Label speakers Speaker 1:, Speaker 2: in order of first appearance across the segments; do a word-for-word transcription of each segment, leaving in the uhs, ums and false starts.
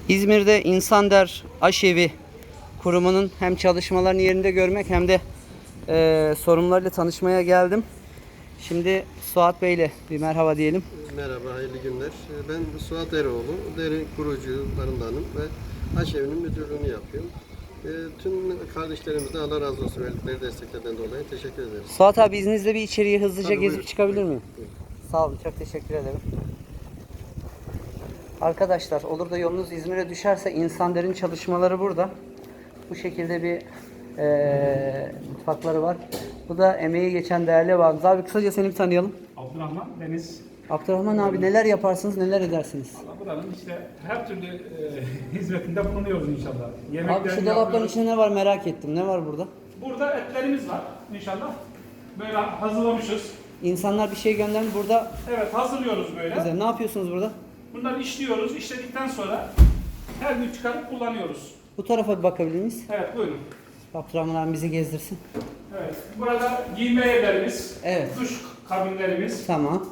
Speaker 1: İzmir'de İnsander Aşevi kurumunun hem çalışmalarını yerinde görmek hem de e, sorunlarıyla tanışmaya geldim. Şimdi Suat Bey'le bir merhaba diyelim.
Speaker 2: Merhaba, hayırlı günler. Ben Suat Eroğlu, deri kurucularındanım ve Aşevi'nin müdürlüğünü yapıyorum. E, tüm kardeşlerimize Allah razı olsun verdikleri desteklerden dolayı teşekkür ederim.
Speaker 1: Suat abi izninizle bir içeriye hızlıca
Speaker 2: Tabii,
Speaker 1: gezip
Speaker 2: buyurun.
Speaker 1: çıkabilir miyim?
Speaker 2: Buyurun.
Speaker 1: Sağ olun, çok teşekkür ederim. Arkadaşlar, olur da yolunuz İzmir'e düşerse İnsander'in çalışmaları burada. Bu şekilde bir e, mutfakları var. Bu da emeği geçen değerli abimiz. Abi kısaca seni bir tanıyalım.
Speaker 3: Abdurrahman Deniz.
Speaker 1: Abdurrahman abi, neler yaparsınız, neler edersiniz?
Speaker 3: Valla buranın işte her türlü e, hizmetinde bulunuyoruz inşallah.
Speaker 1: Abi
Speaker 3: Yemeklerini
Speaker 1: şu dolapların
Speaker 3: yapıyoruz.
Speaker 1: içinde ne var merak ettim. Ne var burada?
Speaker 3: Burada etlerimiz var inşallah. Böyle hazırlamışız.
Speaker 1: İnsanlar bir şey göndermiş burada.
Speaker 3: Evet, hazırlıyoruz böyle.
Speaker 1: Güzel. Ne yapıyorsunuz burada?
Speaker 3: Bunları işliyoruz. İşledikten sonra her gün çıkarıp kullanıyoruz.
Speaker 1: Bu tarafa bir bakabilir miyiz?
Speaker 3: Evet, buyurun.
Speaker 1: Abdurrahman abi bizi gezdirsin.
Speaker 3: Evet. Burada giyme yerlerimiz,
Speaker 1: Evet.
Speaker 3: duş kabinlerimiz.
Speaker 1: Tamam.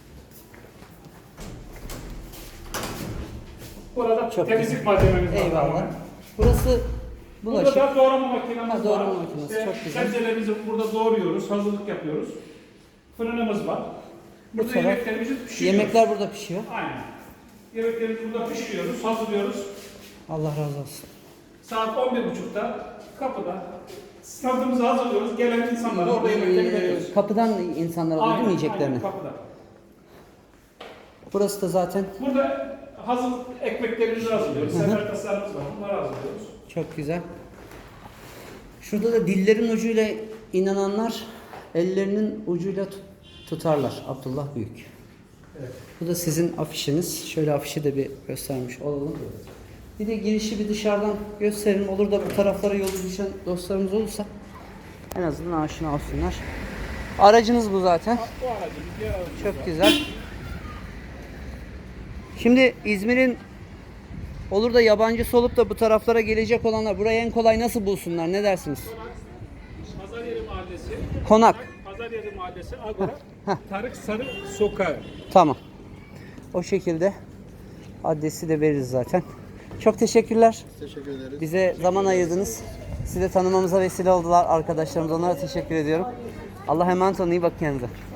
Speaker 3: Burada
Speaker 1: Çok
Speaker 3: temizlik malzememiz var.
Speaker 1: Eyvallah.
Speaker 3: tamamen.
Speaker 1: Burası
Speaker 3: Burada
Speaker 1: bulaşık.
Speaker 3: da doğrama makinemiz
Speaker 1: Ha, doğrama
Speaker 3: var.
Speaker 1: makinesi,
Speaker 3: İşte
Speaker 1: çok güzel.
Speaker 3: sebzelerimizi burada doğruyoruz, hazırlık yapıyoruz. Fırınımız var. Burada
Speaker 1: taraf-
Speaker 3: yemeklerimizi pişiriyoruz.
Speaker 1: Yemekler burada pişiyor.
Speaker 3: Aynen. Yemeklerimizi burada pişiriyoruz, hazırlıyoruz.
Speaker 1: Allah razı olsun.
Speaker 3: Saat on bir buçukta kapıda standımızı hazırlıyoruz. Gelen insanlara orada yemekleri veriyoruz.
Speaker 1: Kapıdan insanlar alıyor değil mi yiyeceklerini?
Speaker 3: aynen, kapıda.
Speaker 1: Burası da zaten
Speaker 3: Burada hazır ekmeklerimizi hazırlıyoruz. Sefertaslarımız var, bunları hazırlıyoruz.
Speaker 1: çok güzel. Şurada da dillerin ucuyla inananlar ellerinin ucuyla tut- tutarlar. Abdullah Büyük.
Speaker 3: Evet.
Speaker 1: Bu da sizin afişiniz. Şöyle afişi de bir göstermiş olalım. Bir de girişi bir dışarıdan gösterelim. Olur da bu taraflara yolu düşen dostlarımız olursa en azından aşina olsunlar. Aracınız bu zaten.
Speaker 3: Bu aracımız, diğer aracımız
Speaker 1: Çok
Speaker 3: var.
Speaker 1: güzel. Şimdi İzmir'in olur da yabancısı olup da bu taraflara gelecek olanlar burayı en kolay nasıl bulsunlar? Ne dersiniz?
Speaker 3: Pazaryeri Mahallesi.
Speaker 1: Konak.
Speaker 3: Pazaryeri Mahallesi, Agora, Tarık Sarı Sokağı.
Speaker 1: Tamam. O şekilde adresi de veririz zaten. Çok teşekkürler.
Speaker 2: Teşekkür ederiz.
Speaker 1: Bize zaman ayırdınız. Sizi de tanımamıza vesile oldular arkadaşlarımız. Onlara teşekkür ediyorum. Allah'a emanet olun. İyi bakın kendinize.